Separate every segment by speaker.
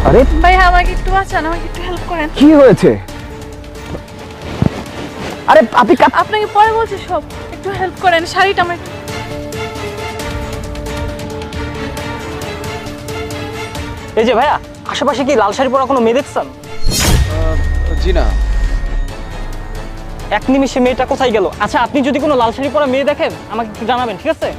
Speaker 1: আরে
Speaker 2: ভাই আমাকে একটু বাঁচান, আমাকে একটু হেল্প করেন।
Speaker 1: কি হয়েছে? আরে আপনি
Speaker 2: আপনাকে পরে বলছি সব, একটু হেল্প করেন। শাড়িটা আমার
Speaker 3: এই যে ভাইয়া, আশেপাশে কি লাল শাড়ি পরা কোনো মেয়ে দেখছেন?
Speaker 4: জি না।
Speaker 3: এক নিমিষে মেয়েটা কোথায় গেল? আচ্ছা, আপনি যদি কোনো লাল শাড়ি পরা মেয়ে দেখেন আমাকে একটু জানাবেন, ঠিক আছে?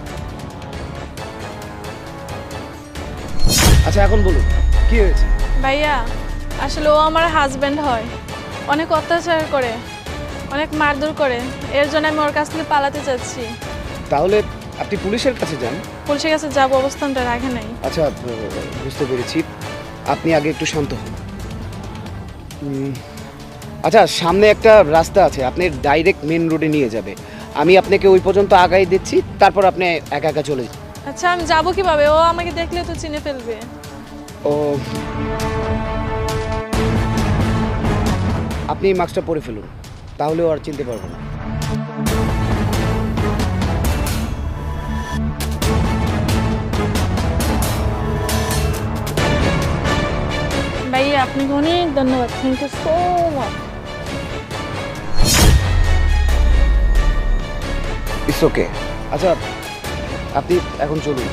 Speaker 4: আচ্ছা এখন বলুন কি হয়েছে?
Speaker 2: ভাইয়া আসলে ও আমার হাজবেন্ড হয়, অনেক অত্যাচার করে, অনেক মারধর করে। এর জন্য আমি ওর কাছ থেকে পালাতে চাচ্ছি।
Speaker 4: তাহলে আপনি পুলিশের কাছে যান।
Speaker 2: পুলিশের কাছে যাবো, অবস্থানটা রাখে নাই।
Speaker 4: আচ্ছা বুঝতে পেরেছি, আপনি আগে একটু শান্ত হন। আচ্ছা সামনে একটা রাস্তা আছে, আপনি ডাইরেক্ট মেন রোডে নিয়ে যাবে। আমি আপনাকে ওই পর্যন্ত আগাই দিচ্ছি, তারপর আপনি একা একা চলে যান।
Speaker 2: আচ্ছা আমি যাবো কিভাবে? ও আমাকে দেখলে তো চিনে ফেলবে।
Speaker 4: ও আপনি এই মাস্কটা পরে ফেলুন, তাহলে ও আর চিনতে পারবো না।
Speaker 2: ভাইয়া আপনাকে অনেক ধন্যবাদ, thank you so much.
Speaker 4: It's okay. আচ্ছা আপনি এখন চলুন।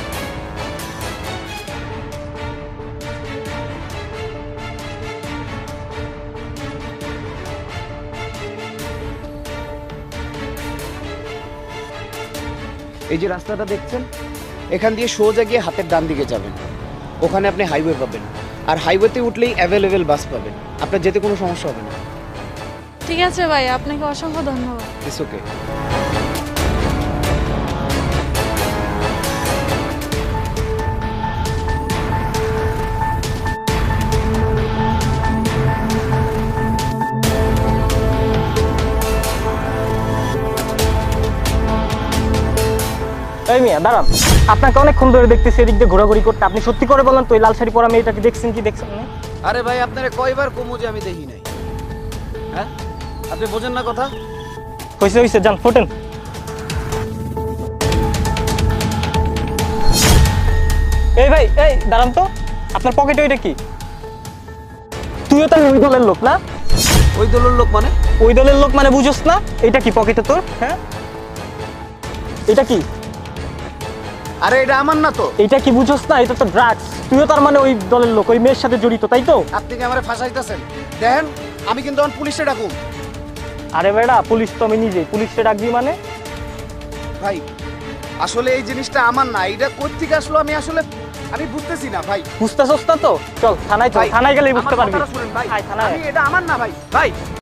Speaker 4: এই যে রাস্তাটা দেখছেন, এখান দিয়ে সোজা গিয়ে হাতের ডান দিকে যাবেন, ওখানে আপনি হাইওয়ে পাবেন। আর হাইওয়েতে উঠলেই অ্যাভেলেবেল বাস পাবেন, আপনার যেতে কোনো সমস্যা হবে না।
Speaker 2: ঠিক আছে ভাই, আপনাকে অসংখ্য ধন্যবাদ।
Speaker 4: It's okay.
Speaker 3: এই মিয়া দাঁড়ান, আপনাকে অনেকক্ষণ ধরে দেখতেছি এদিক দিয়ে ঘোরাঘুরি করতে। আপনি সত্যি করে বলেন তো, এই লাল শাড়ি পরা মেয়েটাকে দেখছেন কি দেখছেন না?
Speaker 4: আরে ভাই আপনারা কয়বার কমু যে আমি দেখি নাই? হ্যাঁ আপনি বোঝেন না কথা?
Speaker 3: হয়েছে হয়েছে, যান ফোটেন। এই ভাই, এই দাঁড়ান তো, আপনার পকেটে ওইটা কি? তুইও তো ওই দলের লোক না?
Speaker 4: ওই দলের লোক মানে?
Speaker 3: ওই দলের লোক মানে বুঝোস না? এটা কি পকেটে তোর? হ্যাঁ, এটা কি?
Speaker 4: আরে এটা আমার না তো।
Speaker 3: এটা কি বুঝোস না? এটা তো ড্রাগস। তুইও তার মানে ওই দলের লোক, ওই মেয়ের সাথে জড়িত, তাই তো?
Speaker 4: আপনি কি আমারে ফাঁসাইতেছেন? দেখেন আমি কিন্তু এখন পুলিশে ডাকুম।
Speaker 3: আরে বেড়া, পুলিশ তো আমি নিজেই। পুলিশে ডাকবি মানে?
Speaker 4: ভাই আসলে এই জিনিসটা আমার না, এটা কোথা থেকে আসলো আমি বুঝতেছি না ভাই।
Speaker 3: বুঝতেছস না তো? চল থানায়, চল,
Speaker 4: ভাই,
Speaker 3: থানায় গেলেই বুঝতে
Speaker 4: আমার
Speaker 3: পারবি।
Speaker 4: কথাটা শুনেন ভাই,
Speaker 3: আয় থানায়।
Speaker 4: এটা আমার না ভাই। ভাই